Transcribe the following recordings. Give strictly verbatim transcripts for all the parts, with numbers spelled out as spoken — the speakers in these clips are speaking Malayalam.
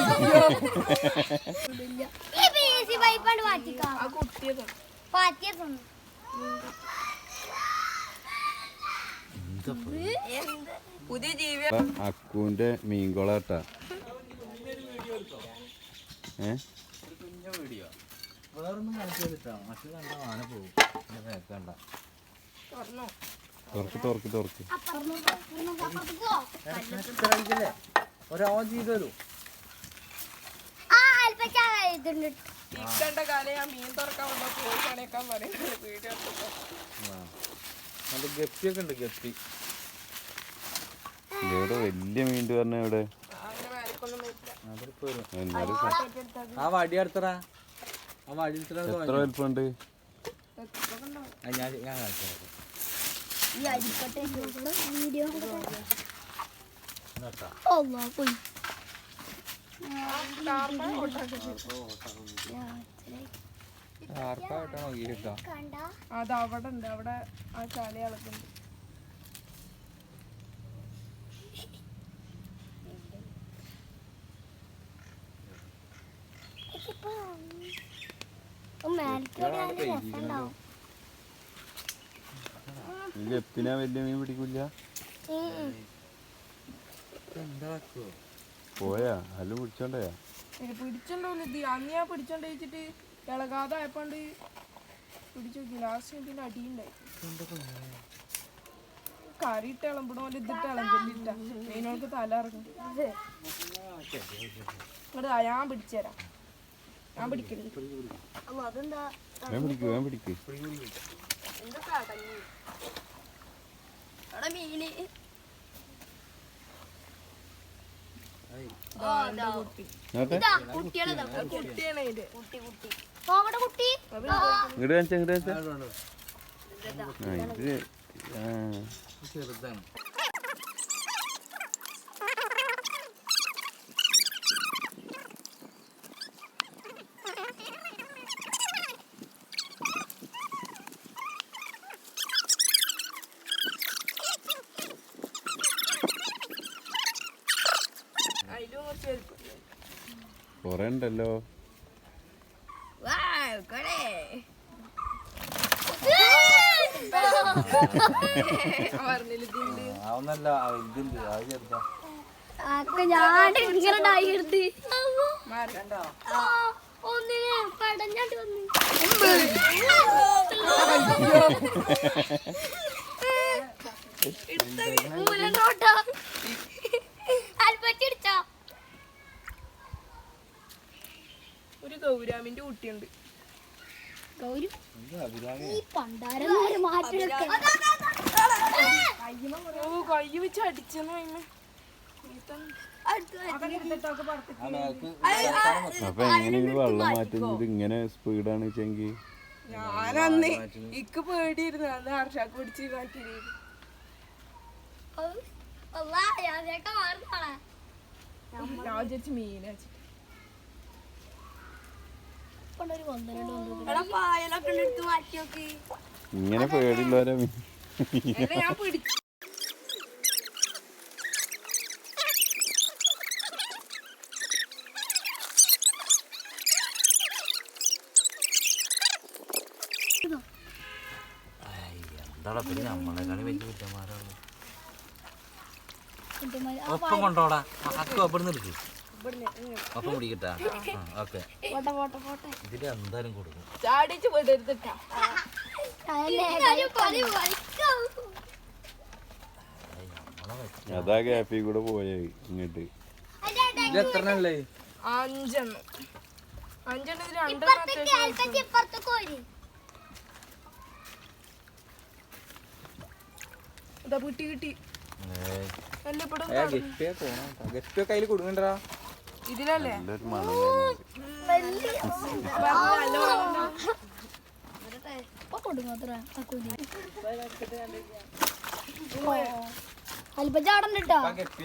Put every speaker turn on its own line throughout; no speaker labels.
പുതിയ ജീവി
അക്കുവിന്റെ മീൻകൊളാട്ടാ. ഏ
വേറൊന്നും കാണിച്ചാ മറ്റു കണ്ട ആന പോകും. കണ്ട
തുറക്ക് തുറക്ക് തുറക്ക്
ഒരാ ചെയ്തോ
ഇക്കണ്ട കാലം ഞാൻ മീൻ തുറക്കാൻ വന്ന പോയി പണിയേക്കാൻ പറയുന്നത് വീഡിയോ.
നല്ല ഗപ്പിയൊക്കെ ഉണ്ട്. ഗപ്പി
ഇവിടെ വലിയ മീൻ പറഞ്ഞ ഇവിടെ
ആ വടി അടുത്തടാ. ആ വടി
എത്ര വലിപ്പമുണ്ട്?
ഞാൻ ഞാൻ കാണിച്ചു
അത് അവിടെ ഉണ്ട്. അവിടെ ആ ചാല അളക്കുന്നുണ്ട്.
ഗപ്പിനാ വലിയ മീൻ പിടിക്കില്ല. പോയാ അല്ല പിടിച്ചോണ്ടയാ
പിടിച്ചോണ്ടോല്ല. ഇത് അന്ന് ഞാൻ പിടിച്ചോണ്ട് വെച്ചിട്ട് ഇളകാതെ ആയപ്പോണ്ട് പിടിച്ചു നോക്കി. ലാസ്റ്റ് ഇതിന്റെ അടിയുണ്ടായി. കറിയിട്ട് ഇളമ്പണ പോലെ ഇതിട്ട് ഇളമ്പില്ല. മീനുകൾക്ക് തല ഇറങ്ങും. ഇങ്ങോട്ട് ഞാൻ പിടിച്ചുതരാം. ഞാൻ പിടിക്കരുത്.
പിടിക്ക് വേഗം പിടിക്ക്. ഇങ്ങോട്ട് കാണിച്ചാ ഇങ്ങോട്ട് കാണിച്ചാ. ഇത്
ചെറുതാണ്.
കൊറേ ഉണ്ടല്ലോ.
അതൊന്നല്ല ഇതുണ്ട്. അത് ചെറുതാ.
ഒരു ഗൗരാമിന്റെ കുട്ടിയുണ്ട്. കയ്യ് വെച്ച് അടിച്ചെന്ന്
അപ്പൊ എങ്ങനെ വെള്ളം മാറ്റുന്നത് ഇങ്ങനെ സ്പീഡാണ് വെച്ചെങ്കിൽ?
ഞാനന്ന് ഇക്ക് പേടിയിരുന്നു. അന്ന് ഹർഷാക്ക് പിടിച്ച് മാറ്റി. ഞാൻ വിചാരിച്ചു മീനാ.
ഇങ്ങനെ പേടിയുള്ളവരാ മീൻ.
ഞാൻ പിടിച്ചു.
എന്താടാ പിന്നെ നമ്മളെ കളി വലിയ കുറ്റന്മാരാണ്. ഒപ്പം കൊണ്ടോടാ. അക്കോ എവിടെ നിന്ന് എടുക്കും. ഒപ്പം പിടിക്കട്ടാ. ഓക്കെ ഇതില് എന്തായാലും കൊടുക്കും.
ചാടിച്ച് വിടരുതിട്ടാ.
അതാ ഗ്യാപ്പിൽ കൂടെ പോയേ ഇങ്ങോട്ട്.
എത്രണ്ണല്ലേ?
അഞ്ചെണ്ണം. അഞ്ചെണ്ണത്തിൽ രണ്ടെണ്ണം കിട്ടി കിട്ടി.
കയ്യിൽ കൊടുക്കണ്ടാ.
ഇതിലല്ലേ
അല്പചാടണ്ടോ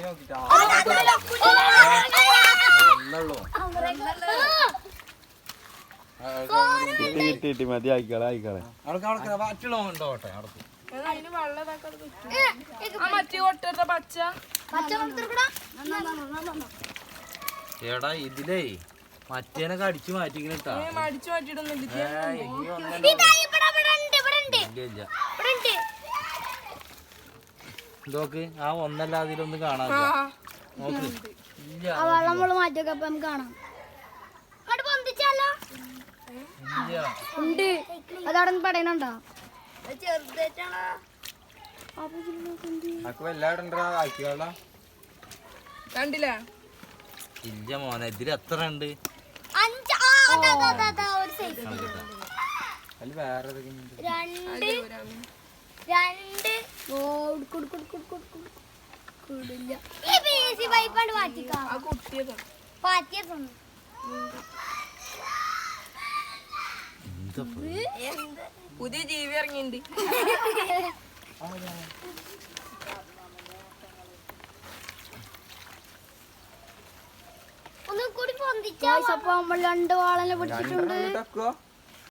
കിട്ടി കിട്ടി മതി. ആയിക്കളെ ആയിക്കളെ.
അതിന് വെള്ളം മറ്റേ കൊട്ട പച്ച
പച്ച
എടാ ഇതിലേ മറ്റേനൊക്കെ അടിച്ചു മാറ്റിക്കിട്ടാ
ഏ അടിച്ചു മാറ്റിയിടൊന്നുമില്ല
ഇല്ല ഇതൊക്കെ ആ ഒന്നല്ലാതെ ഇതിലൊന്നും കാണാൻ നോക്ക് ഇല്ല
വെള്ളം മാറ്റിയൊക്കെ അപ്പൊ നമുക്ക് കാണാം
ഇല്ല
ഉണ്ട് അതവിടെ പടയണുണ്ടോ
കണ്ടില്ല
ഇല്ല മോനെ ഇതിൽ എത്ര ഉണ്ട്
രണ്ട് പൈപ്പാണ്ട് മാറ്റിക്കാ
ആ കുട്ടിയതാ
പാറ്റിയതൊന്നും
എന്താ
പുതിയ ജീവി ഇറങ്ങിണ്ട്
ഒന്നും കൂടി പൊന്തിച്ചപ്പോ നമ്മൾ രണ്ട് വാളനെ പിടിച്ചിട്ടുണ്ട്